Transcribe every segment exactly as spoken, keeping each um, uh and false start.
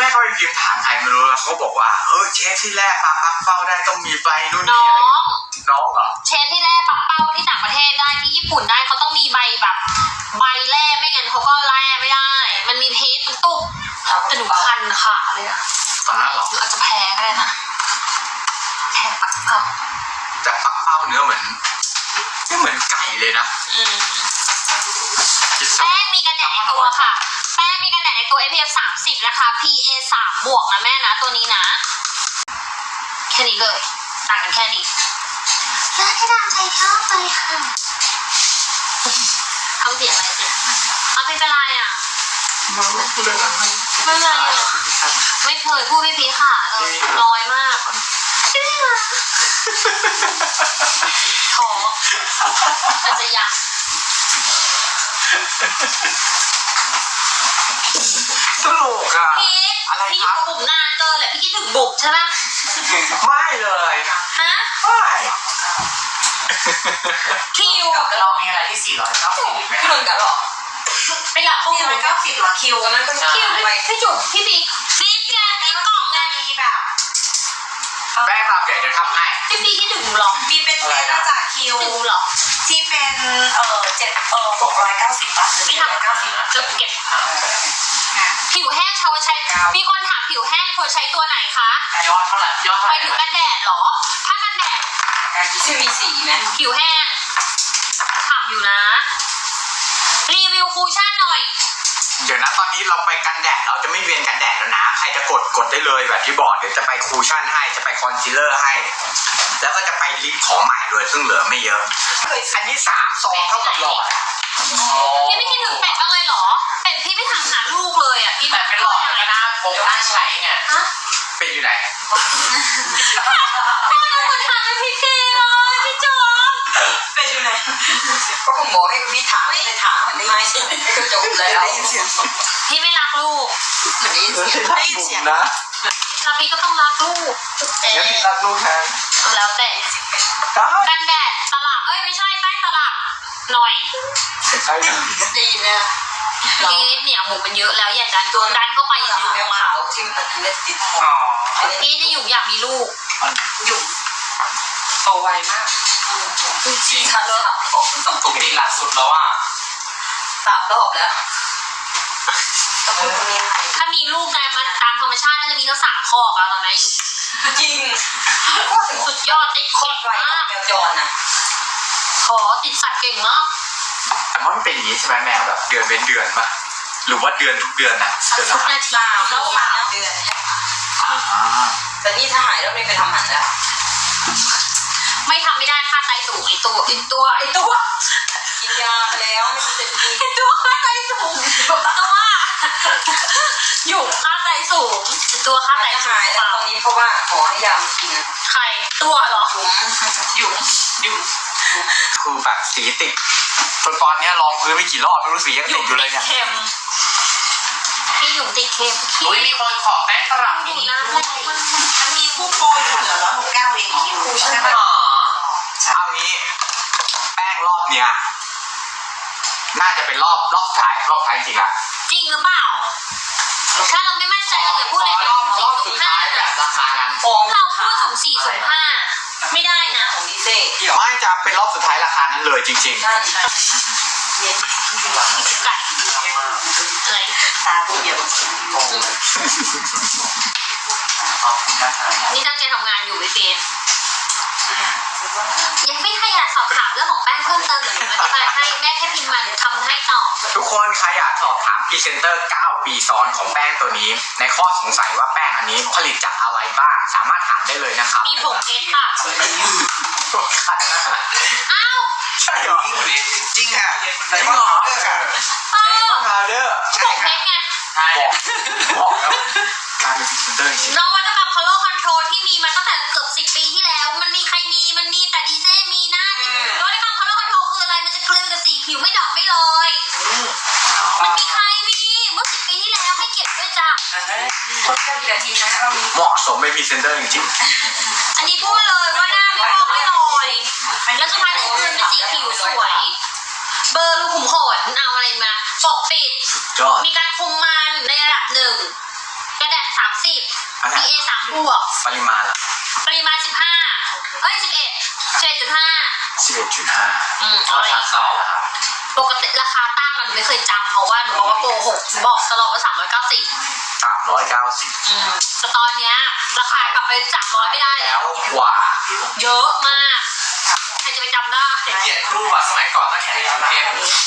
เขาไปพิมพ์ถามใครไม่รู้แล้วเขาบอกว่าเออเชฟที่แรกปลาปักเป้าได้ต้องมีใบนู่นน้นี่ออะไรงน้องเหรอเชฟที่แร่ปักเป้าที่ต่างประเทศได้ที่ญี่ปุ่นได้เขาต้องมีใบแบบใบแร่ไม่งั้นเขาก็แร่ไม่ได้มันมีพิษมันตุกแต่หนูคันขาเลยอะตอนนั้นเหรอหรืออาจจะแพ้ก็ได้นะแพ้ปักเป้าแต่ปักเป้าเนื้อเหมือนไม่เหมือนไก่เลยนะอืมแป้งมีกันแดดในตัวค่ะแป้งมีกันแดดในตัว เอส พี เอฟ สามสิบนะคะ พี เอ สามบวกนะแม่นะตัวนี้นะแค่นี้เลยต่างกันแค่นี้แล้วที่ดามใจชอบเลยค่ะทำเสียงอะไรสิเอาเป็นอะไรอ่ะไม่เป็นไรอ่ะไม่เคยพูดไม่พีค่ะเลยน้อยมากท้อแต่จะยังตลกอ่ะพีทอะไรพี่อครัยู่บกับบุ๋มนานเกินแหละพี่คิดถึงบุ๋มใช่ไหมไม่เลยฮะไม่คิวเรามีอะไรที่สี่ร้อยเก้าสิบไหมพี่หนุ่มกันหรอไปละโอ้สี่ร้อยเก้าสิบหรอคิวตอนนั้นเป็นคิวพี่จุ๋มพี่บิ๊กรีบแกรีบกล่องไงมีแบบแป้งแบบใหญ่จะทำให้พี่บิ๊กคิดถึงหรอมีเป็นเซตมาจากคิวถึงหรอที่เป็นเอ่อเจ็ดเอ่อหกร้อยเก้าสิบป่ะหรือไม่เจ็ดร้อยทำเก้าสิบจะเก็บผิวแห้งชาวใช้มีคนถามผิวแห้งควรใช้ตัวไหนคะยอดเท่าไหร่ยอดเท่าไปไหร่ถึงกันแดดหรอถ้ากันแดดที่มีสีไหมผิวแห้งถามอยู่นะรีวิวคูชั่นหน่อยเดี๋ยวนะตอนนี้เราไปกันแดดเราจะไม่เวียนกันแดดแล้วนะใครจะกดกดได้เลยแบบที่บอกเดี๋ยวจะไปคูชั่นให้จะไปคอนซีลเลอร์ให้ แล้วก็จะไปลิปของใหม่ด้วยซึ่งเหลือไม่เยอะอันนี้สามซองเท่ากับหลอดอะพี่ไม่คิดถึงเป็ดบ้างเลยเหรอเป็ดพี่ไม่ถามหาลูกเลยอ่ะพี่แต่เป็นหลอดก็น่าพกน่าใช้ไงฮะเป็ดอยู่ไหนพ่อจะคนถามเป็นพี่ทีเลยพี่จอมเป็นอยู่ไหนก็ผมบอกให้พี่ถามไม่ได้ถามไม่ไม่ก็จบแล้วได้ยินเสียงพี่ไม่รักลูกได้ยินเสียงได้ยินเสียงนะแล้วพี่ก็ต้องรักลูกเอ๊ะงั้นพี่รักลูกแทนแล้วแต่ได้กันแดดตลับเอ้ยไม่ใช่แป้งตลับหน่อยใช่นะได้ยินนะพี่เนี่ยหมูมันเยอะแล้วอย่าดันตัวดันเข้าไปอย่าดูดึงแมวมาขาวที่มันเป็นติดอ๋อพี่จะอยู่อยากมีลูกอยู่โตไวมากจริงทันแล้วต้องปกติหลักสุดแล้วอ่ะสามรอบแล้วต้องพูดตรงนี้ถ้ามีลูกไงมันตามธรรมชาติน่าจะมีทั้งสามคอกแล้วตอนนี้จริงสุดยอดติดโคเก่ตงรไวมากแมวจรนะขอติดสัตว์เก่งมากแต่ว่ามันเป็นอย่างนี้ใช่ไหมแมวแบบเดือนเว้นเดือนปะหรือว่าเดือนทุกเดือนนะเดือนทุละกครั้งนาทีสามแล้วสามเดือนอ่าแต่นี่ถ้าหายแล้วไม่ไปทำหมันแล้วไม่ทำไม่ได้ค่าไตสูงไอตัวไอตัวไอตัวกินยาไปแล้วไม่ใช่จะมีไอตัวค่าไตสูงตัวอยู่ค่าไตสูงไอตัวค่าไตจะสูงหายแล้วตอนนี้เพราะว่าหมอให้ยามากินใครตัวเหรอยุ้มยุ้มยุ้มคือแบบสีติดจนตอนเนี้ยลองพื้นไปกี่รอบไม่รู้สียังหติยุ่ดมอยู่เลติยดเนี่ยเค็มพี่หยุ่มติดเค็มอุ้ยมีคนขอแป้งตลับมินินะด้วยมันมีคู่โปรอยู่เหลือร้อยหกเก้าเองคิวใช่ไหมอ๋อเอางี้แป้งรอบเนี้ยน่าจะเป็นรอบรอบสุดท้ายรอบท้ายจริงอะจริงหรือเปล่าถ้าเราไม่มั่นใจเราอย่าพูดขเลยอรอบรอบสุดท้ายแบบราคานั้นฟองเราพูดสูงสี่สูงห้าไม่ได้นะของดีเซ่ไม่จะเป็นรอบสุดท้ายราคานั้นเลยจริงใช่ใช่เย็นดีกว่าไก่อะไรตาดูเหี่ยวขอบคุณนะครับนี่ตั้งใจทำงานอยู่ไม่เป็นยังไม่ให้อยากสอบถามเรื่องของแป้งเพิ่มเติมเดี๋ยวหนูอธิบายให้แม่แค่พิมพ์มาเดี๋ยวทำให้ต่อๆ ทุกคนใครอยากสอบถามพรีเซนเตอร์เก้าปีซ้อนของแป้งตัวนี้ ในข้อสงสัยว่าแป้งอันนี้ผลิตจากอะไรบ้าง สามารถถามได้เลยนะครับมีผงเพชรค่ะขัดนะอ้าวใช่เหรอจริงค่ะไดมไม่อนหรด์อพาวเดอร์ค่ะเอไดมออนด์พาวเดอร์ผงเพชรไงใช่บอกบอกแล้วการเป็นพรีเซนเตอร์จริงนวัตกรรม color control ที่มีมาตั้งแต่เกือบสิบปีที่แล้ว มันมีใครมีมันมีแต่ดีเจมีนะนวัตกรรม color control คืออะไรมันจะกลืนกับสีผิวไม่ดอกไม่ลอย มันมีใครมีเมื่อสิบปีที่แล้วให้เกียรติด้วยจ้ะคนเดียวกี่นาทีนะเรามีเหมาะสมเป็นพรีเซนเตอร์จริงอันนี้พูดเลยว่าหน้าไม่ลอกไม่ลอยแล้วสุดท้ายคือกลืนเป็นสีผิวสวย เบอร์รูขุมขนเอาอะไรมาปกปิดๆยอดมีการคุมมันในระดับหนึ่งกระดาษสามสิบอันพีนั้นเอ สามบวกปริมาณล่ะปริมาณสิบห้าเอ้ยสิบเอ็ดเจ็ดจุดห้าสิบเอ็ดจุดห้าอืมเอาเอาขาเก่าอะครับปกติราคาตั้งอะหนูไม่เคยจำเพราะว่าหนูบอกว่าโกหกหนูบอกตลอดว่าสามร้อยเก้าสิบสามร้อยเก้าสิบอืมแต่ตอนเนี้ยราคากลับไปสามร้อยไม่ได้แล้แล้ววกว่าเยอะมากใครจะไปจำได้เกลียดรูปอะสมัยก่อนต้องแข่งกับเทป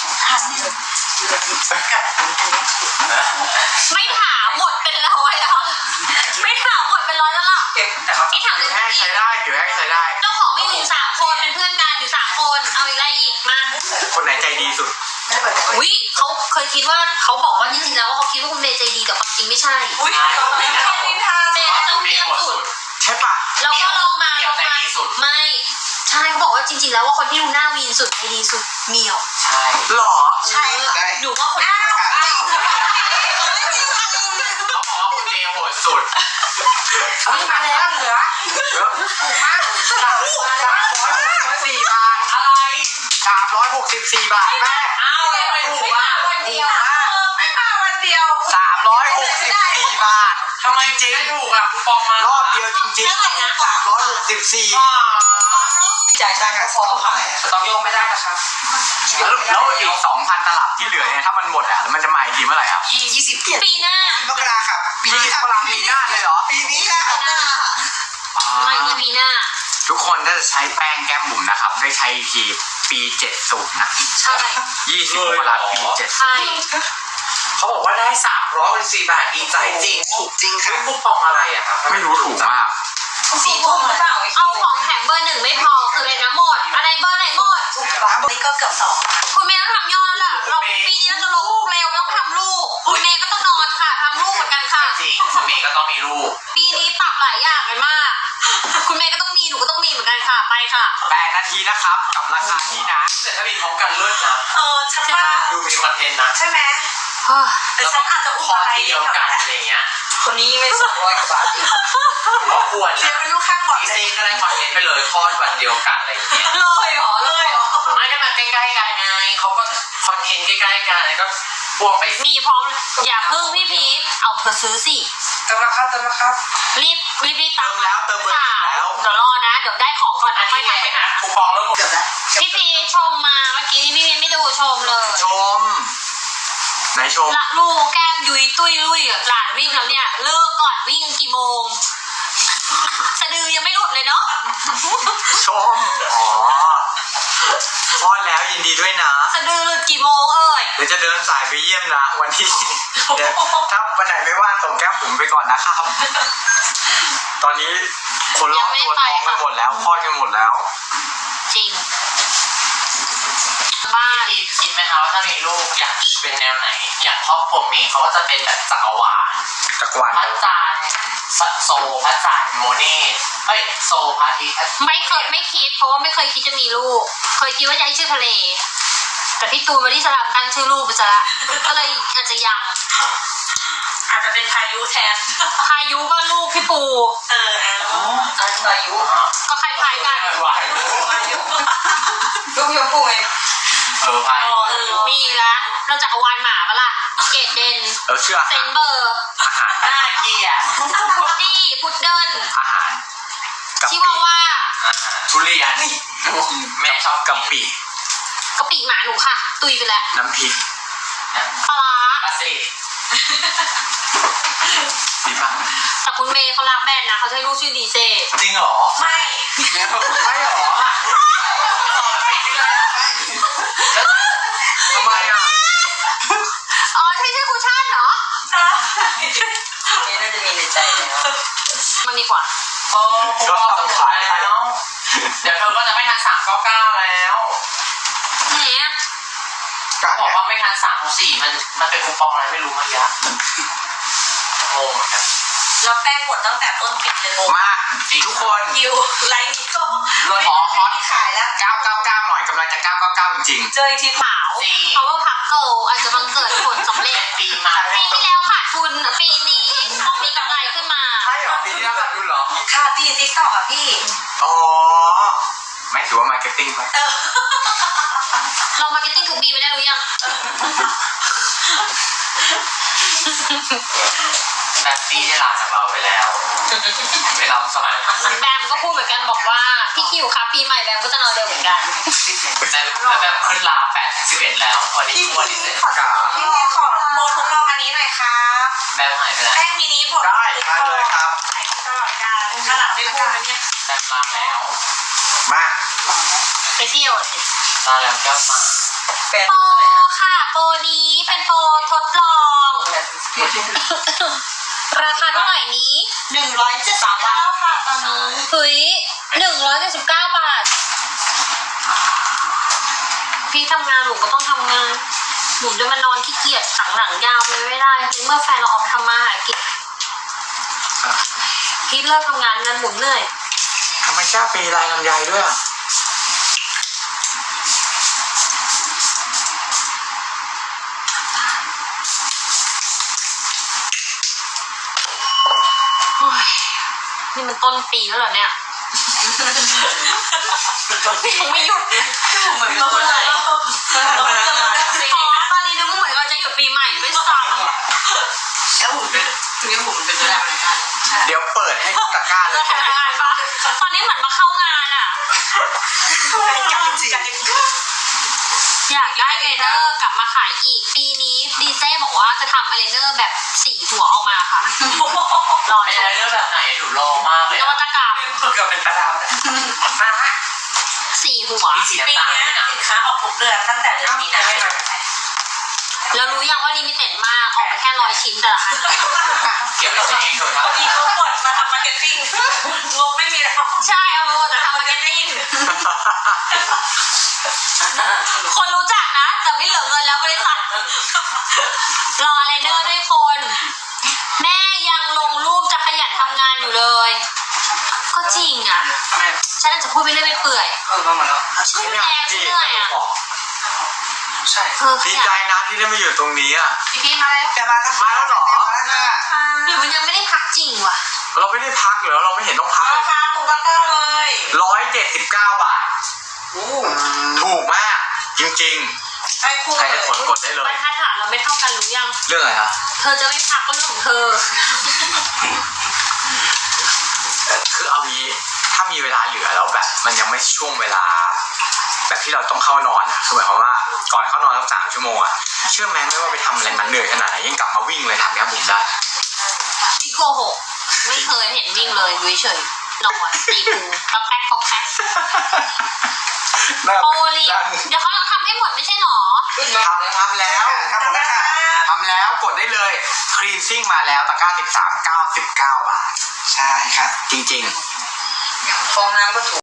ไม่ถามหมดเป็นร้อยแล้วไม่ถามหมดเป็นร้อยแล้วล่ะเก็บแต่เขานี่ถามอเลยู่ยแห้งอีใช้กได้อยู่แห้งใช้ได้เจ้าของมีอยู่สามคนเป็นเพื่อนกันอยู่สามคนเอาอีกอะไรอีกมาคนไหนใจดีสุดอุ้ยเขาเคยคิดว่าเขาบอกว่าจริงๆแล้วว่าเขาคิดว่าคุณเมย์ใจดีแต่ความจริงไม่ใช่อุ้ยเขาไม่ได้นินทาเมย์น่าจะเงียบสุดใช่ปะแล้วก็ลงมาลงมาไม่ใช่เขาบอกว่าจริงๆแล้วว่าคนที่ดูหน้าวีนสุดใจดีสุดเหมียวใช่หรอใช่หนูว่าคนที่เขาบอกว่าคุณเมย์โหดสุดอุ้ยมาแล้วเหลือเยอะถูกมากสามร้อยหกสิบสี่บาทอะไรสามร้อยหกสิบสี่บาทแม่อ้าวแล้วไม่ถูกอ่ะวันเดียวไม่มาวันเดียวสามร้อยหกสิบสี่บาททำไมจริงไม่ถูกอ่ะคูปองมาร รอบเดียวจริงๆสามร้อยหกสิบสี่จ่ายตังค์กับฟองเขาต้องโยงไม่ได้นะครับแล้วแล้วอีกสองพันตลับที่เหลือเนี่ยถ้ามันหมดอ่ะมันจะมาอีกทีเมื่อไหร่ครับยี่สิบปีหน้ามกราครับปีนี้กำลังปีหน้าเลยเหรอปีนี้แล้วปีหน้าอ๋อไม่มีปีหน้าทุกคนถ้าจะใช้แป้งแก้มบุ๋มนะครับ ได้ใช้อีกทีปีเจ็ดศูนย์นะใช่ยี่สิบมกราปีเจ็ดใช่เขาบอกว่าได้สามร้อยสี่บาทดีใจจริงถูกจริงค่ะไม่คูปองอะไรอะครับไม่รู้ถูกมากสี่ทุ่มหรือเปล่าเอาของแถมเบอร์หนึ่งไม่พอคืออะไรนะหมดอะไรเบอร์ไหนหมดร้านนี้ก็เกือบสองคุณเมย์ต้องทำยอดล่ะเราปีนี้เราจะลงลูกเร็วไม่ต้องทำลูกคุณเมย์ก็ต้องนอนค่ะทำลูกเหมือนกันค่ะจริงคุณเมย์ก็ต้องมีลูกปีนี้ปรับหลายอย่างเลยมาก คุณเมย์ก็ต้องมีหนูก็ต้องมีเหมือนกันค่ะไปค่ะแปดนาทีนะครับ กับราคานี้นะแต่ถ้ามีพร้อมกันเลิศนะเออฉันว่าดูมีคอนเทนต์นะใช่ไหมแต่ฉันอาจจะอุ้มพออะไรทีเดียวกันอะไรเงี้ยคนนี้ไม่สองร้อยกว่าบาทอีกก็ควรเรียนะนเป็นลูกข้างบ่อนอีเลยซีก็ได้คอนเทนต์ไปเลยคลอดวันเดียวกันอะไรอย่างเงี้ยเลยเหรอเลยเหรอไม่ได้มาใกล้ๆกันไงเขาก็คอนเทนต์ใกล้ๆกันแล้วก็พวกไปมีพร้อมอย่าพึ่งพี่พีทเอาเธอซื้อสิเติมราคาเติมราคารีบรีบรีบตามเติมแล้วเติมเบอร์หนึ่งแล้วเดี๋ยวรอนะ เดี๋ยวได้ของก่อนอันะนค่อนี้ยไงทักไปหานะคูปองแล้วหมดเกือบแล้วพี่พีชมมาเมื่อกี้นี่พี่พีไม่ดูชมเลยชม ไหนชมละลูกแก้มยุยตุ้ยลุยหลานวิ่งแล้วเนี่ยเลิกก่อนวิ่งกันกี่โมงสะดือยังไม่หลุดเลยเนาะชม อ๋อคลอดแล้วยินดีด้วยนะสะดือหลุดกี่โมงเอ่ยเดี๋ยวจะเดินสายไปเยี่ยมนะ วันที่ เดี๋ยวถ้าวันไหนไม่ว่างส่งแก้มบุ๋มไปก่อนนะครับ ตอนนี้คนรอบตัวท้องกันหมดแล้วคลอดกันหมดแล้วจริงบ้านพี่คิดไหมคะว่าถ้ามีลูกอยากเป็นแนวไหน อย่างครอบครัวเมย์เขาก็จะเป็นแบบจักรวาลจักรวาลพระจันทร์โซพระจันทร์โมเน่เอ้ยโซพระอาทิตย์ไม่เคยไม่คิดเพราะว่าไม่เคยคิดจะมีลูก เคยคิดว่าจะให้ชื่อทะเล แต่พี่ตูนวันนี้สลับตั้งชื่อลูกไปซะละก็เลยอาจจะยังอาจจะเป็นพายุแทนพายุก็ลูกพี่ปูเออเอาอันพายุก็คล้ายๆกันวายลูกยมพูไงเออพายเออมีละเราจักรวาลหมาปะล่ะเกตเดนเออชื่ออาเซหารนเบอร์อาหารน่าเกลียดพุดดี้พุดเดิลอาหารกะชิปิวาว่าทุเรียนแม่ชอบกะปิกะปิหมาหนูค่ะ ตุยไปแล้วน้ำพริกปลาร้าปลาสิดีป่ะแต่คุณเมย์เขารักแบรนด์นะเขาจะให้ลูกชื่อดีเซจริงเหรอไม่ไม่หรอทำไมอ่ะอ๋อใช่ชื่อคุชชั่นเหรอนี่น่าจะมีในใจแล้วมันดีกว่าโอ้คูปองจะหมดแล้ว เดี๋ยวเธอก็จะไม่ทันสามเก้าเก้าแล้วไหนอะการบอกเนี่ยว่าไม่ทันสามสี่มันมันเป็นคูปองอะไรไม่รู้มายะโอ้เหมือนกันแล้วแป้งหมดตั้งแต่ต้นปีเลยโมมาทุกคนคิวไลน์นี้ก็ขอฮอตขายแล้วเก้าเก้าเก้าหน่อยกำลังจะเก้าเก้าเก้าจริงเจออีกทีขาวเพราะว่าพักเกิลอาจจะบังเกิดผลสำเร็จปีมาปีที่แล้วขาดทุนปีนี้ต้องมีกำไรขึ้นมาๆใช่เหรอปีนี้น่ารักดูเหรอค่ะพี่ติ๊กต็อกอ่ะพี่อ๋อ ไม่ถือว่ามาร์เก็ตติ้งไหมเออเรามาร์เก็ตติ้งทุกปีไม่ได้รู้ยังแบบปีได้ลาจากเราไปแล้วไปรับสมัยแบมก็พูดเหมือนกันบอกว่าพี่คิวครับปีใหม่แบมก็จะนอนเร็วเหมือนกันแบบแบบขึ้นลาแปดถึงสิบเอ็ดแล้ววันนี้วันที่เจ็ดขอพี่เมย์ขอโมทดลองอันนี้หน่อยครับแบบหายไปแล้วแป้งมินิผมได้มาเลยครับใส่ตลอดการขนาดไม่พูดนะเนี่ยแบบลาแล้วมาไปเที่ยวสิลาแล้วก็มาแปดโปรค่ะโปรนี้เป็นโปรทดลอง ราคาเท่าไหร่นี้หนึ่งร้อยเจ็ดสิบเก้าค่ะตอนนี้เฮ้ยหนึ่งร้อยเจ็ดสิบเก้าบาท พี่ทำงานหนูก็ต้องทำงานหนูจะมานอนขี้เกียจสังหลังยาวไปไม่ได้เมื่อแฟนเราออกทำมาหากินพี่เลิกทำงานงานหมุนเหนื่อยทำไมชาปีลายลำไยด้วยอ่ะโอ้ยนี่มันต้นปีแล้วเหรอเนี่ยยังไม่หยุดเลยเหมือนเราเลยอ๋อตอนนี้นึกว่าเหมือนเราจะหยุดปีใหม่ด้วยซ้ำแล้วหุ่นเป็นเนี่ยหุ่นเป็นอะไรเหมือนกันเดี๋ยวเปิดให้ตะกร้าเลเรายทำงานปะตอนนี้เหมือนมาเข้างานอ่ะจังจริงอยากได้เอเลเนอร์กลับมาขายอีกปีนี้ดีเซ่บอกว่าจะทำเอเลเนอร์แบบสี่หัวออกมาค่ะรอไม่ชใช่มเรื่องแบบไหนหนูรอมากเลยนวัตกรรมเกือบเป็นประดาวนะมาฮะสี่หัวมีสีปีน้ำตาลนี้ด้วยนะสินค้าออกทุกเดือนตั้งแต่เดือนมีนาแล้วรู้ยังว่าลิมิเต็ดมากออกมาแค่ร้อยชิ้นแต่ละอันเก็บไว้ใช้เองเถอะครับอีกเขากดมาทำมาร์เก็ตติ้งงงไม่มีแล้วใช่เอามาหมดแต่ทำมาร์เก็ตติ้งคนรู้จักนะ แต่ไม่เหลือเงินแล้วบริษัทรอเอเลเนอร์ด้วยคน แม่ยังลงรูปจะขยันทำงานอยู่เลย ก็จริงอ่ะ ฉันอาจจะพูดไปเรื่อยไปเปื่อยเออมาหมดแล้วชื่อแรงชื่อเหนื่อยอ่ะใช่เออขดียัใจนนะที่ได้มาอยู่ตรงนี้อ่ะพี่พี่มาแล้วจะมาแล้วมาแล้วเหรอมาแล้วค่ะหรือมันยังไม่ได้พักจริงวะเราไม่ได้พักเหรอเราไม่เห็นต้องพักเลราย คาถูกมากเลยร้อยเจ็ดสิบเก้าบาทโอ้ถูกมาก จริงให้คู่ๆ ใครเลจะยกดกดได้เลบรยรทัดฐานเราไม่เท่ากันรู้ยังเรื่องอะไรคะเธอจะไม่พักก็เรื่องของเธอคือเอางี้ถ้ามีเวลาเหลือแล้วแบบ มันยังไม่ช่วงเวลา แบบที่เราต้องเข้านอนอ่ะคือหมายความว่าก่อนเข้านอนสักสามชั่วโมงอ่ะเชื่อไหมไม่ว่าไปทำอะไรมันเหนื่อยขนาดไหนยังกลับมาวิ่งเลยถามแก้มบุ๋มได้พี่โกหกไม่เคยเห็นวิ่งเลยดูเฉยๆนอนตีปูก็แป๊กก็แป๊กโอลีเดี๋ยวเขาต้องทำให้หมดไม่ใช่หรอทำทำแล้วทำหมดแล้วค่ะทำแล้วกดได้เลยคลีนซิ่งมาแล้วตะกร้าสิบสามเก้าสิบเก้าบาทใช่ค่ะจริงฟองน้ำก็ถูก